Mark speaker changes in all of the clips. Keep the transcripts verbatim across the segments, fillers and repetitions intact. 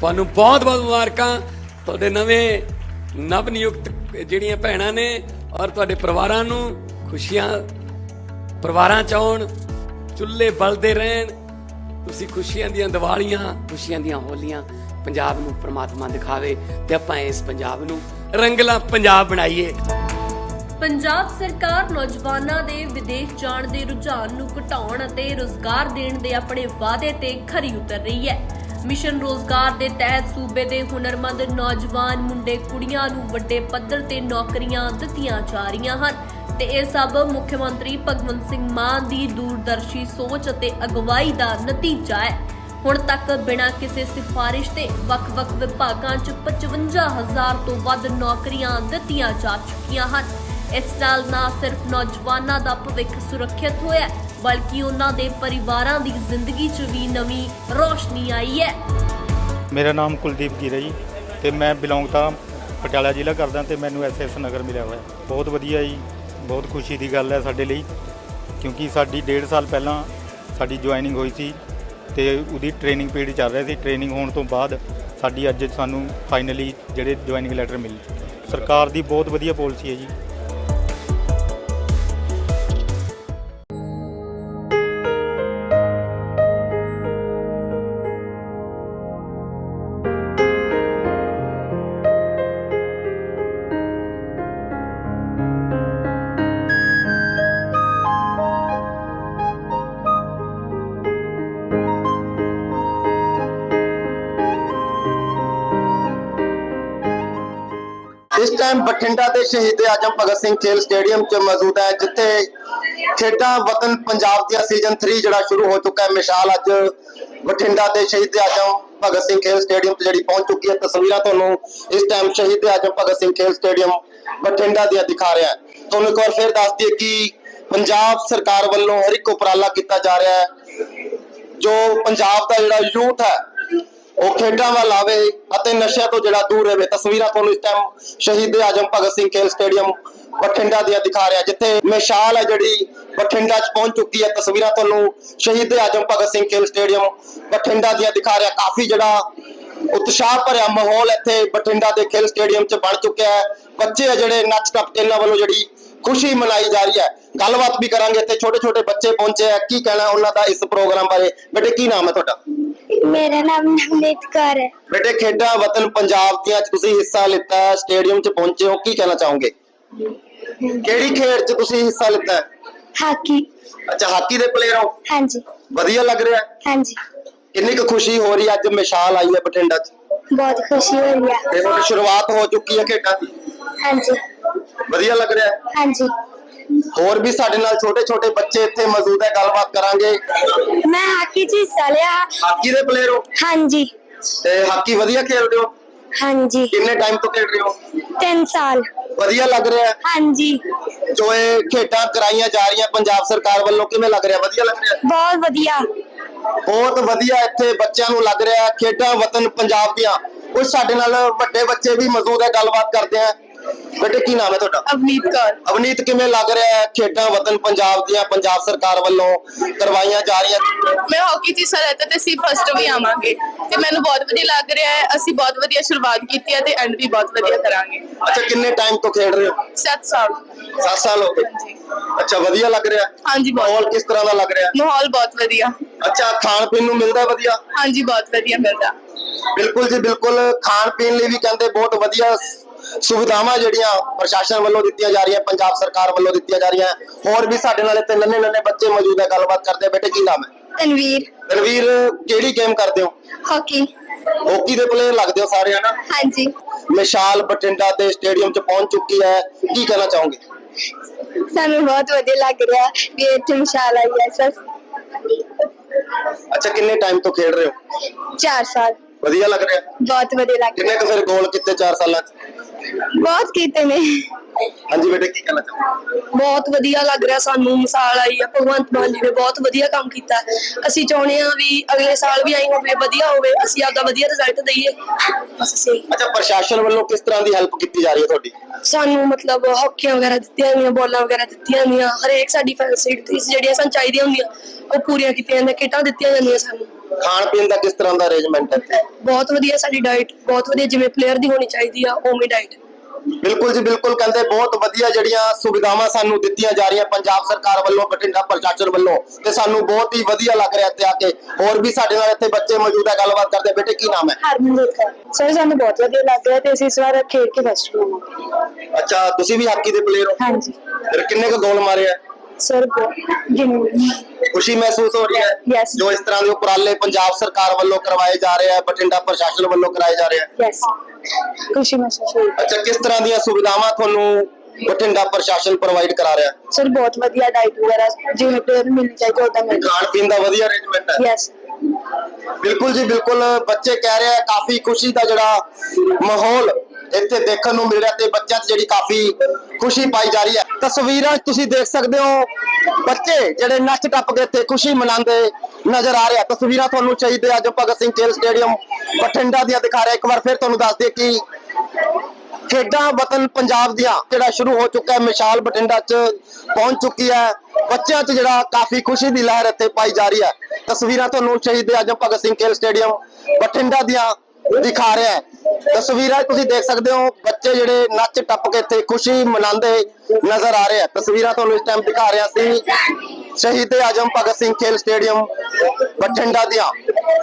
Speaker 1: ਤੁਹਾਨੂੰ ਬਹੁਤ ਬਹੁਤ ਮੁਬਾਰਕਾਂ। ਤੁਹਾਡੇ ਨਵੇਂ ਨਵ ਨਿਯੁਕਤ ਜਿਹੜੀਆਂ ਭੈਣਾਂ ਨੇ ਔਰ ਤੁਹਾਡੇ ਪਰਿਵਾਰਾਂ ਨੂੰ ਖੁਸ਼ੀਆਂ ਪਰਿਵਾਰਾਂ ਚ ਆਉਣ, ਚੁੱਲ੍ਹੇ ਬਲਦੇ ਰਹਿਣ, ਤੁਸੀਂ ਖੁਸ਼ੀਆਂ ਦੀਆਂ ਦੀਵਾਲੀਆਂ, ਖੁਸ਼ੀਆਂ ਦੀਆਂ ਹੋਲੀਆਂ ਪੰਜਾਬ ਨੂੰ ਪ੍ਰਮਾਤਮਾ ਦਿਖਾਵੇ ਤੇ ਆਪਾਂ ਇਸ ਪੰਜਾਬ ਨੂੰ ਰੰਗਲਾ ਪੰਜਾਬ ਬਣਾਈਏ।
Speaker 2: ਪੰਜਾਬ ਸਰਕਾਰ ਨੌਜਵਾਨਾਂ ਦੇ ਵਿਦੇਸ਼ ਜਾਣ ਦੇ ਰੁਝਾਨ ਨੂੰ ਘਟਾਉਣ ਅਤੇ ਰੁਜ਼ਗਾਰ ਦੇਣ ਦੇ ਆਪਣੇ ਵਾਅਦੇ ਤੇ ਖਰੀ ਉਤਰ ਰਹੀ ਹੈ। ਮਿਸ਼ਨ ਰੋਜ਼ਗਾਰ ਦੇ ਤਹਿਤ ਸੂਬੇ ਦੇ ਹੁਨਰਮੰਦ ਨੌਜਵਾਨ ਮੁੰਡੇ ਕੁੜੀਆਂ ਨੂੰ ਵੱਡੇ ਪੱਧਰ ਤੇ ਨੌਕਰੀਆਂ ਦਿੱਤੀਆਂ ਜਾ ਰਹੀਆਂ ਹਨ ਤੇ ਇਹ ਸਭ ਮੁੱਖ ਮੰਤਰੀ ਭਗਵੰਤ ਸਿੰਘ ਮਾਨ ਦੀ ਦੂਰਦਰਸ਼ੀ ਸੋਚ ਅਤੇ ਅਗਵਾਈ ਦਾ ਨਤੀਜਾ ਹੈ। ਹੁਣ ਤੱਕ ਬਿਨਾਂ ਕਿਸੇ ਸਿਫਾਰਿਸ਼ ਦੇ ਵੱਖ-ਵੱਖ ਵਿਭਾਗਾਂ 'ਚ ਪਚਵੰਜਾ ਹਜ਼ਾਰ ਤੋਂ ਵੱਧ ਨੌਕਰੀਆਂ ਦਿੱਤੀਆਂ ਜਾ ਚੁੱਕੀਆਂ ਹਨ। ਇਸ ਨਾਲ ਨਾ ਸਿਰਫ ਨੌਜਵਾਨਾਂ ਦਾ ਭਵਿੱਖ ਸੁਰੱਖਿਅਤ ਹੋਇਆ, ਬਲਕਿ ਉਹਨਾਂ ਦੇ ਪਰਿਵਾਰਾਂ ਦੀ ਜ਼ਿੰਦਗੀ 'ਚ ਵੀ ਨਵੀਂ ਰੋਸ਼ਨੀ ਆਈ ਹੈ।
Speaker 3: ਮੇਰਾ ਨਾਮ ਕੁਲਦੀਪ ਗਿਰ ਹੈ ਜੀ ਤੇ ਮੈਂ ਬਿਲੋਂਗ ਤਾਂ ਪਟਿਆਲਾ ਜ਼ਿਲ੍ਹਾ ਕਰਦਾ ਤੇ ਮੈਨੂੰ ਐਸ ਐਸ ਨਗਰ ਮਿਲਿਆ ਹੋਇਆ। ਬਹੁਤ ਵਧੀਆ ਜੀ, ਬਹੁਤ ਖੁਸ਼ੀ ਦੀ ਗੱਲ ਹੈ ਸਾਡੇ ਲਈ, ਕਿਉਂਕਿ ਸਾਡੀ ਡੇਢ ਸਾਲ ਪਹਿਲਾਂ ਸਾਡੀ ਜੁਆਇਨਿੰਗ ਹੋਈ ਸੀ ਤੇ ਉਹਦੀ ਟ੍ਰੇਨਿੰਗ ਪੀਰੀਅਡ ਚੱਲ ਰਿਹਾ ਸੀ। ਟ੍ਰੇਨਿੰਗ ਹੋਣ ਤੋਂ ਬਾਅਦ ਸਾਡੀ ਅੱਜ ਸਾਨੂੰ ਫਾਈਨਲੀ ਜਿਹੜੇ ਜੁਆਇਨਿੰਗ ਲੈਟਰ ਮਿਲੇ। ਸਰਕਾਰ ਦੀ ਬਹੁਤ ਵਧੀਆ ਪਾਲਿਸੀ ਹੈ ਜੀ।
Speaker 4: इस टाइम बठिंडा के शहीद आजम भगत सिंह खेल स्टेडियम च मौजूद है, जिथे खेडा वतन पंजाब दिया सीजन थ्री जड़ा शुरू हो चुका है। मिसाल अज बठिंडा के शहीद आजम भगत सिंह खेल स्टेडियम च जड़ी पहुंच चुकी है। तस्वीर तुहानू इस टाइम शहीद आजम भगत सिंह खेल स्टेडियम बठिंडा दिया दिखा रहा है। तुहानू एक बार फिर दस दिए कि पंजाब सरकार वालों हर एक उपराला किया जा रहा है, जो पंजाब का जिहड़ा यूथ है ਉਹ ਖੇਡਾਂ ਵੱਲ ਆਵੇ ਅਤੇ ਨਸ਼ਿਆਂ ਤੋਂ ਜਿਹੜਾ ਦੂਰ ਰਹੇ। ਤਸਵੀਰਾਂ ਤੁਹਾਨੂੰ ਇਸ ਟਾਈਮ ਸ਼ਹੀਦ ਆਜਮ ਭਗਤ ਸਿੰਘ ਖੇਲ ਸਟੇਡੀਅਮ ਬਠਿੰਡਾ ਦੀਆਂ ਦਿਖਾ ਰਿਹਾ, ਜਿੱਥੇ ਮਿਸਾਲ ਹੈ ਜਿਹੜੀ ਬਠਿੰਡਾ 'ਚ ਪਹੁੰਚ ਚੁੱਕੀ ਹੈ। ਤਸਵੀਰਾਂ ਤੁਹਾਨੂੰ ਸ਼ਹੀਦ ਆਜਮ ਭਗਤ ਸਿੰਘ ਖੇਲ ਸਟੇਡੀਅਮ ਬਠਿੰਡਾ ਦੀਆਂ ਦਿਖਾ ਰਿਹਾ। ਕਾਫੀ ਜਿਹੜਾ ਉਤਸ਼ਾਹ ਭਰਿਆ ਮਾਹੌਲ ਇੱਥੇ ਬਠਿੰਡਾ ਦੇ ਖੇਲ ਸਟੇਡੀਅਮ 'ਚ ਬਣ ਚੁੱਕਿਆ ਹੈ। ਬੱਚੇ ਆ ਜਿਹੜੇ ਨੱਚ ਟੱਪ ਕੇ ਇਹਨਾਂ ਵੱਲੋਂ ਜਿਹੜੀ ਖੁਸ਼ੀ ਮਨਾਈ ਜਾ ਰਹੀ ਹੈ। ਗੱਲਬਾਤ ਵੀ ਕਰਾਂਗੇ। ਇੱਥੇ ਛੋਟੇ ਛੋਟੇ ਬੱਚੇ ਪਹੁੰਚੇ ਆ, ਕੀ ਕਹਿਣਾ ਉਹਨਾਂ ਦਾ ਇਸ ਪ੍ਰੋਗਰਾਮ ਬਾਰੇ। ਬੇਟੇ ਕੀ ਨਾਮ ਹੈ ਤੁਹਾਡਾ?
Speaker 5: मेरा नाम नवनीत कौर है।
Speaker 4: बेटे खेडा वतन पंजाब दियां च तुसी हिस्सा लिता है, स्टेडियम च पहुंचे हो, की कहना चाहोगे? केड़ी खेड च तुसी हिस्सा लिता है?
Speaker 5: हाकी।
Speaker 4: अच्छा, हाकी दे प्लेयर हो?
Speaker 5: हाँ जी।
Speaker 4: वधिया लग रहा है?
Speaker 5: हाँ जी।
Speaker 4: कितनी क खुशी हो रही है अज मिसाल आई है बठिंडा च?
Speaker 5: बहुत खुशी हो रही है।
Speaker 4: ते हुण शुरुआत हो चुकी है खेडां दी?
Speaker 5: हाँ जी।
Speaker 4: वधिया लग रहा है?
Speaker 5: हाँ जी।
Speaker 4: ਹੋਰ ਵੀ ਸਾਡੇ ਨਾਲ ਛੋਟੇ ਛੋਟੇ ਬੱਚੇ ਇੱਥੇ ਮੌਜੂਦ ਹੈ, ਗੱਲਬਾਤ ਕਰਾਂਗੇ।
Speaker 5: मैं हाकी च हिस्सा लिया।
Speaker 4: ਹਾਕੀ ਦੇ ਪਲੇਅਰ ਹੋ?
Speaker 5: हाँ जी।
Speaker 4: ਤੇ ਹਾਕੀ ਵਧੀਆ ਖੇਡਦੇ ਹੋ?
Speaker 5: हाँ जी।
Speaker 4: ਕਿੰਨੇ ਟਾਈਮ ਤੋਂ ਖੇਡ ਰਹੇ ਹੋ?
Speaker 5: तीन साल।
Speaker 4: ਵਧੀਆ ਲੱਗ ਰਿਹਾ ਹੈ?
Speaker 5: हाँ जी।
Speaker 4: ਜੋ ਇਹ ਖੇਡਾਂ ਕਰਾਈਆਂ ਜਾ ਰਹੀਆਂ ਪੰਜਾਬ ਸਰਕਾਰ ਵੱਲੋਂ, ਕਿਵੇਂ ਲੱਗ ਰਿਹਾ? ਵਧੀਆ ਲੱਗ ਰਿਹਾ?
Speaker 5: बहुत वधिया।
Speaker 4: ਬਹੁਤ ਵਧੀਆ ਇੱਥੇ ਬੱਚਿਆਂ ਨੂੰ ਲੱਗ ਰਿਹਾ। ਖੇਡਾਂ ਵਤਨ ਪੰਜਾਬ ਦੀਆਂ। ਕੁਝ ਸਾਡੇ ਨਾਲ ਵੱਡੇ ਬੱਚੇ ਵੀ ਮੌਜੂਦ ਹੈ, ਗੱਲਬਾਤ ਕਰਦੇ ਆ। बेटे की नाम है ਤੁਹਾਡਾ?
Speaker 6: ਅਵਨੀਤ ਕੌਰ।
Speaker 4: ਅਵਨੀਤ, ਕਿਵੇਂ ਲੱਗ ਰਿਹਾ ਹੈ ਖੇਡਾਂ ਵਤਨ ਪੰਜਾਬ ਦੀਆਂ ਪੰਜਾਬ ਸਰਕਾਰ ਵੱਲੋਂ ਕਰਵਾਈਆਂ ਜਾ ਰਹੀਆਂ?
Speaker 6: ਮੈਂ ਹਾਕੀ 'ਚ ਹਿੱਸਾ ਲੈਤਾ ਤੇ ਅਸੀਂ ਫਸਟ ਵੀ ਆਵਾਂਗੇ ਤੇ ਮੈਨੂੰ ਬਹੁਤ ਵਧੀਆ ਲੱਗ ਰਿਹਾ ਹੈ। ਅਸੀਂ ਬਹੁਤ ਵਧੀਆ ਸ਼ੁਰੂਆਤ ਕੀਤੀ ਹੈ ਤੇ ਐਂਡ ਵੀ ਬਹੁਤ ਵਧੀਆ ਕਰਾਂਗੇ।
Speaker 4: ਅੱਛਾ, ਕਿੰਨੇ ਟਾਈਮ ਤੋਂ ਖੇਡ ਰਹੇ ਹੋ?
Speaker 6: ਸੱਤ ਸਾਲ।
Speaker 4: ਸੱਤ ਸਾਲ ਹੋ ਗਏ।
Speaker 6: ਹਾਂਜੀ।
Speaker 4: ਅੱਛਾ, ਵਧੀਆ ਲੱਗ ਰਿਹਾ?
Speaker 6: ਹਾਂਜੀ,
Speaker 4: ਮਾਹੌਲ
Speaker 6: ਬਹੁਤ
Speaker 4: ਕਿਸ ਤਰ੍ਹਾਂ ਦਾ ਲੱਗ ਰਿਹਾ?
Speaker 6: ਮਾਹੌਲ ਬਹੁਤ ਵਧੀਆ।
Speaker 4: ਅੱਛਾ, ਖਾਣ ਪੀਣ ਨੂੰ ਮਿਲਦਾ ਵਧੀਆ?
Speaker 6: ਹਾਂਜੀ, ਬਹੁਤ ਵਧੀਆ ਮਿਲਦਾ।
Speaker 4: ਬਿਲਕੁਲ ਜੀ, ਬਿਲਕੁਲ। ਖਾਣ ਪੀਣ ਲਈ ਵੀ ਕਹਿੰਦੇ ਬਹੁਤ ਵਧੀਆ ਸੁਵਿਧਾਵਾਂ ਜਿਹੜੀਆਂ ਪ੍ਰਸ਼ਾਸਨ ਵੱਲੋਂ ਦਿੱਤੀਆਂ ਜਾ ਰਹੀਆਂ, ਪੰਜਾਬ ਸਰਕਾਰ ਵੱਲੋਂ ਦਿੱਤੀਆਂ ਜਾ ਰਹੀਆਂ। ਹੋਰ ਵੀ ਸਾਡੇ ਨਾਲ ਇੱਥੇ ਨੰਨੇ ਨੰਨੇ ਬੱਚੇ ਮੌਜੂਦ ਹੈ, ਗੱਲਬਾਤ ਕਰਦੇ ਆ। ਬੇਟੇ ਕੀ ਨਾਮ ਹੈ?
Speaker 5: तनवीर।
Speaker 4: ਤਨਵੀਰ, ਕਿਹੜੀ ਗੇਮ ਕਰਦੇ ਹੋ?
Speaker 5: हॉकी।
Speaker 4: ਹਾਕੀ ਦੇ ਪਲੇਅਰ ਲੱਗਦੇ ਹੋ ਸਾਰੇ, ਹਨਾ?
Speaker 5: हाँ जी।
Speaker 4: ਮਿਸਾਲ ਬਠਿੰਡਾ ਦੇ ਸਟੇਡੀਅਮ 'ਚ ਪਹੁੰਚ ਚੁੱਕੀ ਹੈ, ਕੀ ਕਹਿਣਾ ਚਾਹੋਗੇ?
Speaker 5: सानू बहुत वधिया लग रहा भी इत्थे मिसाल आई है सर।
Speaker 4: ਅੱਛਾ, ਕਿੰਨੇ ਟਾਈਮ ਤੋਂ ਖੇਡ ਰਹੇ ਹੋ?
Speaker 5: चार साल।
Speaker 4: ਵਧੀਆ ਲੱਗ ਰਿਹਾ?
Speaker 5: बहुत वधिया लग
Speaker 4: ਕਿੰਨੇ ਕੁ ਫਿਰ ਗੋਲ ਕੀਤੇ ਚਾਰ ਸਾਲਾਂ 'ਚ?
Speaker 5: बहुत कीते ने।
Speaker 4: ਹਾਂਜੀ ਬੇਟੇ, ਕੀ ਕਹਿਣਾ ਚਾਹੋਗੇ?
Speaker 7: ਬਹੁਤ ਵਧੀਆ ਲੱਗ ਰਿਹਾ ਸਾਨੂੰ। ਮਿਸਾਲ ਆਈ ਆ, ਭਗਵੰਤ ਮਾਨ ਜੀ ਨੇ ਬਹੁਤ ਵਧੀਆ ਕੰਮ ਕੀਤਾ। ਅਸੀਂ ਚਾਹੁੰਦੇ ਆ ਵੀ ਅਗਲੇ ਸਾਲ ਵੀ ਆਈ ਹੋਵੇ, ਵਧੀਆ ਹੋਵੇ, ਅਸੀਂ ਆਪਦਾ ਵਧੀਆ ਰਿਜ਼ਲਟ ਦਈਏ, ਬਸ ਸਹੀ।
Speaker 4: ਅੱਛਾ, ਪ੍ਰਸ਼ਾਸਨ ਵੱਲੋਂ ਕਿਸ ਤਰ੍ਹਾਂ ਦੀ ਹੈਲਪ ਕੀਤੀ ਜਾ ਰਹੀ ਹੈ ਤੁਹਾਡੀ?
Speaker 7: ਸਾਨੂੰ ਮਤਲਬ ਹਾਕੀਆਂ ਵਗੈਰਾ ਦਿੱਤੀਆਂ ਜਾਂਦੀਆਂ, ਬੋਲਾਂ ਵਗੈਰਾ ਦਿੱਤੀਆਂ ਜਾਂਦੀਆਂ, ਹਰੇਕ ਸਾਡੀ ਫੈਸਿਲਿਟੀਜ਼ ਜਿਹੜੀਆਂ ਸਾਨੂੰ ਚਾਹੀਦੀਆਂ ਹੁੰਦੀਆਂ ਉਹ ਪੂਰੀਆਂ ਕੀਤੀਆਂ ਜਾਂਦੀਆਂ, ਕਿੱਟਾਂ ਦਿੱਤੀਆਂ ਜਾਂਦੀਆਂ ਸਾਨੂੰ।
Speaker 4: ਖਾਣ ਪੀਣ ਦਾ ਕਿਸ ਤਰ੍ਹਾਂ ਦਾ ਅਰੇਂਜਮੈਂਟ ਹੈ ਇੱਥੇ?
Speaker 7: ਬਹੁਤ ਵਧੀਆ ਸਾਡੀ ਡਾਈਟ ਬਹੁਤ ਵਧੀਆ ਜਿਵੇਂ ਪਲੇਅਰ ਦੀ ਹੋਣੀ ਚਾਹੀਦੀ ਆ ਉਵੇਂ ਡਾਈਟ।
Speaker 4: ਬਿਲਕੁਲ ਜੀ ਬਿਲਕੁਲ, ਕਹਿੰਦੇ ਬਹੁਤ ਵਧੀਆ ਜਿਹੜੀਆਂ ਸੁਵਿਧਾਵਾਂ ਸਾਨੂੰ ਦਿੱਤੀਆਂ ਜਾ ਰਹੀਆਂ ਪੰਜਾਬ ਸਰਕਾਰ ਵੱਲੋਂ, ਬਠਿੰਡਾ ਪ੍ਰਸ਼ਾਸਨ ਵੱਲੋਂ, ਤੇ ਸਾਨੂੰ ਬਹੁਤ ਹੀ ਵਧੀਆ ਲੱਗ ਰਿਹਾ ਇੱਥੇ ਆ ਕੇ। ਹੋਰ ਵੀ ਸਾਡੇ ਨਾਲ ਇੱਥੇ ਬੱਚੇ ਮੌਜੂਦ ਹੈ, ਗੱਲਬਾਤ ਕਰਦੇ। ਬੇਟੇ ਕੀ ਨਾਮ ਹੈ?
Speaker 5: ਹਰਮਨਦੀਪ ਕੌਰ। ਸਰ ਸਾਨੂੰ ਬਹੁਤ ਵਧੀਆ ਲੱਗ ਰਿਹਾ ਤੇ ਅਸੀਂ ਇਸ ਵਾਰ ਖੇਡ ਕੇ ਫਸਟ ਹੋਵਾਂਗੇ।
Speaker 4: ਅੱਛਾ, ਤੁਸੀਂ ਵੀ ਹਾਕੀ ਦੇ ਪਲੇਅਰ ਹੋ?
Speaker 5: ਹਾਂਜੀ
Speaker 4: ਫਿਰ ਕਿੰਨੇ ਕੁ ਗੋਲ ਮਾਰੇ ਆ?
Speaker 5: ਸਰ ਜਿੰਨੀ
Speaker 4: ਖੁਸ਼ੀ ਮਹਿਸੂਸ ਹੋ ਰਹੀ ਹੈ
Speaker 5: Yes.
Speaker 4: ਜੋ ਇਸ ਤਰ੍ਹਾਂ ਦੇ ਉਪਰਾਲੇ ਪੰਜਾਬ ਸਰਕਾਰ ਵੱਲੋਂ ਕਰਵਾਏ ਜਾ ਰਹੇ ਆ, ਬਠਿੰਡਾ ਪ੍ਰਸ਼ਾਸਨ ਵੱਲੋਂ ਕਰਾਏ ਜਾ ਰਹੇ ਆ?
Speaker 5: ਯੈਸ ਖੁਸ਼ੀ ਮਹਿਸੂਸ ਹੋਈ।
Speaker 4: ਅੱਛਾ, ਕਿਸ ਤਰ੍ਹਾਂ ਦੀਆਂ ਸੁਵਿਧਾਵਾਂ ਤੁਹਾਨੂੰ ਬਠਿੰਡਾ ਪ੍ਰਸ਼ਾਸਨ ਪ੍ਰੋਵਾਈਡ ਕਰਾ ਰਿਹਾ?
Speaker 5: ਸਰ ਬਹੁਤ ਵਧੀਆ ਡਾਈਟ ਵਗੈਰਾ ਜਿਵੇਂ ਪਲੇਅਰ ਨੂੰ ਮਿਲਣੀ ਚਾਹੀਦੀ ਉਦਾਂ ਮਿਲ
Speaker 4: ਖਾਣ ਪੀਣ ਦਾ ਵਧੀਆ ਅਰੇਂਜਮੈਂਟ ਹੈ?
Speaker 5: ਯੈਸ
Speaker 4: ਬਿਲਕੁਲ ਜੀ ਬਿਲਕੁਲ, ਬੱਚੇ ਕਹਿ ਰਹੇ ਆ ਕਾਫੀ ਖੁਸ਼ੀ ਦਾ ਜਿਹੜਾ ਮਾਹੌਲ ਇੱਥੇ ਦੇਖਣ ਨੂੰ ਮਿਲ ਰਿਹਾ ਤੇ ਬੱਚਿਆਂ 'ਚ ਜਿਹੜੀ ਕਾਫੀ ਖੁਸ਼ੀ ਪਾਈ ਜਾ ਰਹੀ ਹੈ। ਤਸਵੀਰਾਂ 'ਚ ਤੁਸੀਂ ਦੇਖ ਸਕਦੇ ਹੋ ਬੱਚੇ ਜਿਹੜੇ ਨੱਚ ਟੱਪ ਕੇ ਇੱਥੇ ਖੁਸ਼ੀ ਮਨਾਉਂਦੇ ਨਜ਼ਰ ਆ ਰਹੇ ਆ। ਤਸਵੀਰਾਂ ਤੁਹਾਨੂੰ ਸ਼ਹੀਦ ਆਜਮ ਭਗਤ ਸਿੰਘ ਖੇਲ ਸਟੇਡੀਅਮ ਬਠਿੰਡਾ ਦੀਆਂ ਦਿਖਾ ਰਿਹਾ। ਇੱਕ ਵਾਰ ਫਿਰ ਤੁਹਾਨੂੰ ਦੱਸ ਦਈਏ ਕਿ ਖੇਡਾਂ ਵਤਨ ਪੰਜਾਬ ਦੀਆਂ ਜਿਹੜਾ ਸ਼ੁਰੂ ਹੋ ਚੁੱਕਾ ਹੈ, ਮਿਸਾਲ ਬਠਿੰਡਾ 'ਚ ਪਹੁੰਚ ਚੁੱਕੀ ਹੈ। ਬੱਚਿਆਂ 'ਚ ਜਿਹੜਾ ਕਾਫੀ ਖੁਸ਼ੀ ਦੀ ਲਹਿਰ ਇੱਥੇ ਪਾਈ ਜਾ ਰਹੀ ਹੈ। ਤਸਵੀਰਾਂ ਤੁਹਾਨੂੰ ਸ਼ਹੀਦ ਆਜਮ ਭਗਤ ਸਿੰਘ ਖੇਲ ਸਟੇਡੀਅਮ ਬਠਿੰਡਾ ਦੀਆਂ ਦਿਖਾ ਰਿਹਾ ਹੈ। ਤਸਵੀਰਾਂ ਤੁਸੀਂ ਦੇਖ ਸਕਦੇ ਹੋ ਬੱਚੇ ਜਿਹੜੇ ਨੱਚ ਟੱਪ ਕੇ ਇੱਥੇ ਖੁਸ਼ੀ ਮਨਾਉਂਦੇ ਨਜ਼ਰ ਆ ਰਹੇ ਆ। ਤਸਵੀਰਾਂ ਤੁਹਾਨੂੰ ਇਸ ਟਾਈਮ ਦਿਖਾ ਰਿਹਾ ਸੀ ਸ਼ਹੀਦ ਆਜਮ ਭਗਤ ਸਿੰਘ ਖੇਲ ਸਟੇਡੀਅਮ ਬਠਿੰਡਾ ਦੀਆਂ।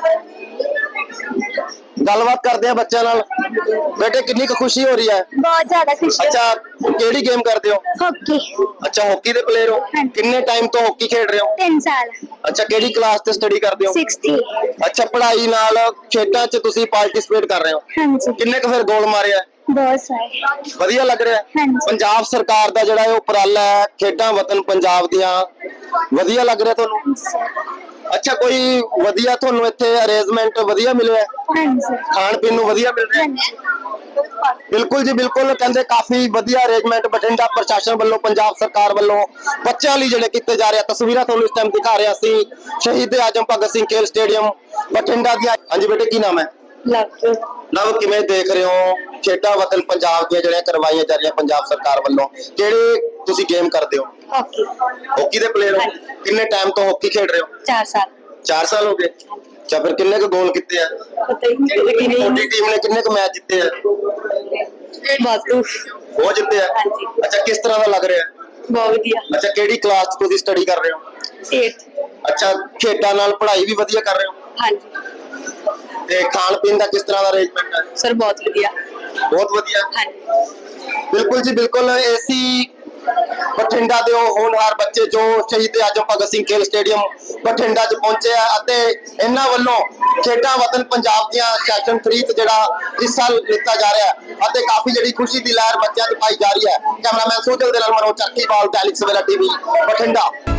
Speaker 4: ਗੱਲਬਾਤ ਕਰਦੇ ਆ ਬੱਚਿਆਂ ਨਾਲ। ਬੇਟੇ ਕਿੰਨੀ ਕੁ ਖੁਸ਼ੀ ਹੋ ਰਹੀ ਹੈ?
Speaker 5: ਬਹੁਤ ਜ਼ਿਆਦਾ ਖੁਸ਼ੀ।
Speaker 4: ਅੱਛਾ, ਕਿਹੜੀ ਗੇਮ ਕਰਦੇ ਹੋ?
Speaker 5: ਹਾਕੀ।
Speaker 4: ਅੱਛਾ, ਹਾਕੀ ਦੇ ਪਲੇਅਰ ਹੋ? ਕਿੰਨੇ ਟਾਈਮ ਤੋਂ ਹਾਕੀ ਖੇਡ ਰਹੇ ਹੋ?
Speaker 5: ਤਿੰਨ ਸਾਲ।
Speaker 4: ਅੱਛਾ, ਕਿਹੜੀ ਕਲਾਸ ਤੇ ਸਟੱਡੀ ਕਰਦੇ ਹੋ?
Speaker 5: ਸਿਕਸਥ।
Speaker 4: ਅੱਛਾ, ਪੜ੍ਹਾਈ ਨਾਲ ਖੇਡਾਂ 'ਚ ਤੁਸੀਂ ਪਾਰਟਿਸਿਪੇਟ ਕਰ ਰਹੇ ਹੋ?
Speaker 5: ਹਾਂਜੀ
Speaker 4: ਕਿੰਨੇ ਕੁ ਫਿਰ ਗੋਲ ਮਾਰੇ ਆ?
Speaker 5: ਬਹੁਤ ਸਾਰੇ।
Speaker 4: ਵਧੀਆ ਲੱਗ ਰਿਹਾ?
Speaker 5: ਹਾਂਜੀ।
Speaker 4: ਪੰਜਾਬ ਸਰਕਾਰ ਦਾ ਜਿਹੜਾ ਇਹ ਉਪਰਾਲਾ ਹੈ ਖੇਡਾਂ ਵਤਨ ਪੰਜਾਬ ਦੀਆਂ, ਵਧੀਆ ਲੱਗ ਰਿਹਾ ਤੁਹਾਨੂੰ? ਅੱਛਾ, ਕੋਈ ਵਧੀਆ ਤੁਹਾਨੂੰ ਇੱਥੇ ਅਰੇਂਜਮੈਂਟ ਵਧੀਆ ਮਿਲਿਆ?
Speaker 5: ਹਾਂਜੀ
Speaker 4: ਖਾਣ ਪੀਣ ਨੂੰ ਵਧੀਆ ਮਿਲ ਰਿਹਾ?
Speaker 5: ਹਾਂਜੀ
Speaker 4: ਬਿਲਕੁਲ ਜੀ ਬਿਲਕੁਲ, ਕਹਿੰਦੇ ਕਾਫੀ ਵਧੀਆ ਅਰੇਂਜਮੈਂਟ ਬਠਿੰਡਾ ਪ੍ਰਸ਼ਾਸਨ ਵੱਲੋਂ, ਪੰਜਾਬ ਸਰਕਾਰ ਵੱਲੋਂ ਬੱਚਿਆਂ ਲਈ ਜਿਹੜੇ ਕੀਤੇ ਜਾ ਰਹੇ ਆ। ਤਸਵੀਰਾਂ ਤੁਹਾਨੂੰ ਇਸ ਟਾਈਮ ਦਿਖਾ ਰਿਹਾ ਸੀ ਸ਼ਹੀਦ ਆਜਮ ਭਗਤ ਸਿੰਘ ਖੇਲ ਸਟੇਡੀਅਮ ਬਠਿੰਡਾ ਦੀਆਂ। ਹਾਂਜੀ ਬੇਟੇ ਕੀ ਨਾਮ ਹੈ?
Speaker 5: ਲੱਗ
Speaker 4: ਨਵ, ਕਿਵੇਂ ਦੇਖ ਰਹੇ ਹੋ ਖੇਡਾਂ ਵਤਨ ਪੰਜਾਬ ਦੀਆਂ ਜਿਹੜੀਆਂ ਕਰਵਾਈਆਂ ਜਾ ਰਹੀਆਂ ਪੰਜਾਬ ਸਰਕਾਰ ਵੱਲੋਂ? ਕਿਹੜੇ ਤੁਸੀਂ ਗੇਮ ਕਰਦੇ ਹੋ?
Speaker 5: ਹਾਕੀ।
Speaker 4: ਹਾਕੀ ਦੇ ਪਲੇਅਰ ਹੋ? ਕਿੰਨੇ ਟਾਈਮ ਤੋਂ ਹਾਕੀ ਖੇਡ ਰਹੇ ਹੋ?
Speaker 5: ਚਾਰ ਸਾਲ।
Speaker 4: ਚਾਰ ਸਾਲ ਹੋ ਗਏ। ਅੱਛਾ, ਫਿਰ ਕਿੰਨੇ ਕੁ ਗੋਲ ਕੀਤੇ ਆ?
Speaker 5: ਪਤਾ ਹੀ ਨਹੀਂ
Speaker 4: ਤੁਹਾਡੀ ਟੀਮ ਨੇ ਕਿੰਨੇ ਕੁ ਮੈਚ ਜਿੱਤੇ ਆ?
Speaker 5: ਵਾਧੂ।
Speaker 4: ਉਹ ਜਿੱਤੇ ਆ?
Speaker 5: ਹਾਂਜੀ।
Speaker 4: ਅੱਛਾ, ਕਿਸ ਤਰ੍ਹਾਂ ਦਾ ਲੱਗ ਰਿਹਾ?
Speaker 5: ਬਹੁਤ ਵਧੀਆ।
Speaker 4: ਅੱਛਾ, ਕਿਹੜੀ ਕਲਾਸ 'ਚ ਤੁਸੀਂ ਸਟੱਡੀ ਕਰ ਰਹੇ ਹੋ?
Speaker 5: eighth।
Speaker 4: ਅੱਛਾ, ਖੇਡਾਂ ਨਾਲ ਪੜ੍ਹਾਈ ਵੀ ਵਧੀਆ ਕਰ ਰਹੇ ਹੋ?
Speaker 5: ਹਾਂਜੀ
Speaker 4: ਤੇ ਖਾਣ ਪੀਣ ਦਾ ਕਿਸ ਤਰ੍ਹਾਂ ਦਾ ਅਰੇਂਜਮੈਂਟ ਹੈ?
Speaker 5: ਸਰ ਬਹੁਤ ਵਧੀਆ।
Speaker 4: ਬਹੁਤ ਵਧੀਆ।
Speaker 5: ਹਾਂਜੀ
Speaker 4: ਬਿਲਕੁਲ ਜੀ ਬਿਲਕੁਲ, ਏਸੀ ਬਠਿੰਡਾ ਦੇ ਉਹ ਹੋਣਹਾਰ ਬੱਚੇ ਜੋ ਸ਼ਹੀਦ ਆਜਮ ਭਗਤ ਸਿੰਘ ਖੇਲ ਸਟੇਡੀਅਮ ਬਠਿੰਡਾ 'ਚ ਪਹੁੰਚੇ ਆ ਅਤੇ ਇਹਨਾਂ ਵੱਲੋਂ ਖੇਡਾਂ ਵਤਨ ਪੰਜਾਬ ਦੀਆਂ ਸੈਸ਼ਨ ਥ੍ਰੀ 'ਚ ਜਿਹੜਾ ਹਿੱਸਾ ਲਿੱਤਾ ਜਾ ਰਿਹਾ ਹੈ ਅਤੇ ਕਾਫੀ ਜਿਹੜੀ ਖੁਸ਼ੀ ਦੀ ਲਹਿਰ ਬੱਚਿਆਂ 'ਚ ਪਾਈ ਜਾ ਰਹੀ ਹੈ। ਕੈਮਰਾਮੈਨ ਸੋਜਲ ਦੇ ਨਾਲ ਮਨੋਜ ਚੱਕੀਵਾਲ, ਦੈਨਿਕ ਸਵੇਰਾ ਟੀਵੀ ਬਠਿੰਡਾ।